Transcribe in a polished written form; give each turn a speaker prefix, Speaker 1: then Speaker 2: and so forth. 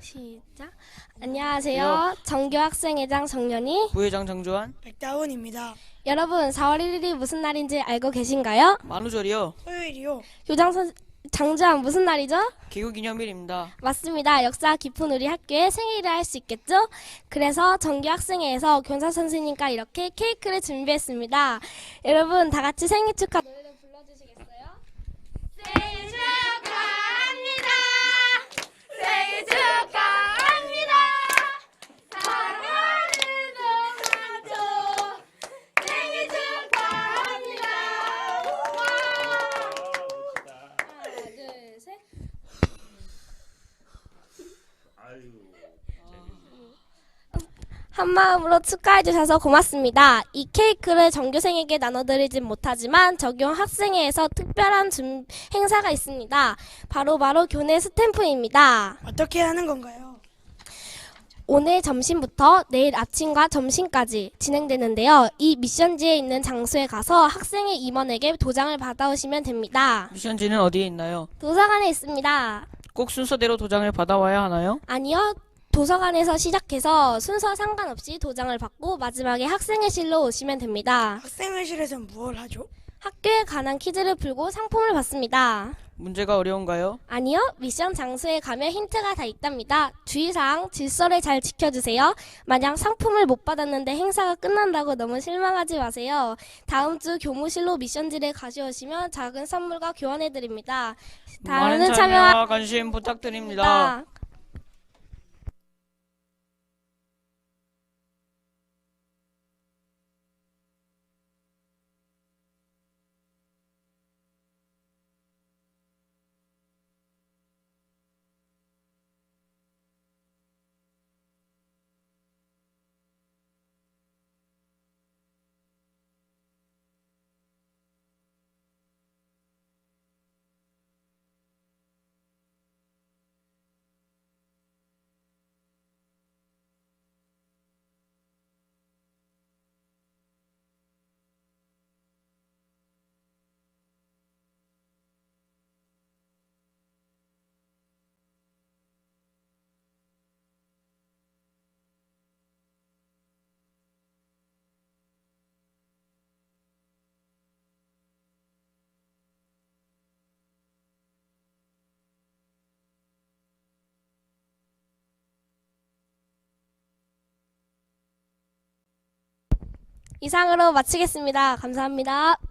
Speaker 1: 시작. 안녕하세요. 정교학생회장 정연이.
Speaker 2: 부회장 정조한.
Speaker 3: 백다운입니다.
Speaker 1: 여러분, 4월 1일이 무슨 날인지 알고 계신가요?
Speaker 2: 만우절이요.
Speaker 3: 토요일이요.
Speaker 1: 장조한 무슨 날이죠?
Speaker 2: 개국기념일입니다.
Speaker 1: 맞습니다. 역사 깊은 우리 학교의 생일을 할 수 있겠죠? 그래서 정교학생회에서 교사 선생님과 이렇게 케이크를 준비했습니다. 여러분, 다 같이 생일 축하 노래를 불러주시겠어요? 생일 축하합니다. 생일 축하합니다. 사랑하는 동안조 생일 축하합니다. 하나, 둘, 셋. 한마음으로 축하해주셔서 고맙습니다. 이 케이크를 전교생에게 나눠드리진 못하지만 적용학생회에서 특별한 행사가 있습니다. 바로 교내 스탬프입니다.
Speaker 3: 어떻게 하는 건가요?
Speaker 1: 오늘 점심부터 내일 아침과 점심까지 진행되는데요. 이 미션지에 있는 장소에 가서 학생의 임원에게 도장을 받아오시면 됩니다.
Speaker 2: 미션지는 어디에 있나요?
Speaker 1: 도서관에 있습니다.
Speaker 2: 꼭 순서대로 도장을 받아와야 하나요?
Speaker 1: 아니요. 도서관에서 시작해서 순서 상관없이 도장을 받고 마지막에 학생회실로 오시면 됩니다.
Speaker 3: 학생회실에선 무엇을 하죠?
Speaker 1: 학교에 관한 퀴즈를 풀고 상품을 받습니다.
Speaker 2: 문제가 어려운가요?
Speaker 1: 아니요. 미션 장소에 가면 힌트가 다 있답니다. 주의사항 질서를 잘 지켜주세요. 만약 상품을 못 받았는데 행사가 끝난다고 너무 실망하지 마세요. 다음 주 교무실로 미션지를 가져오시면 작은 선물과 교환해드립니다.
Speaker 2: 많은 참여와 관심 부탁드립니다.
Speaker 1: 이상으로 마치겠습니다. 감사합니다.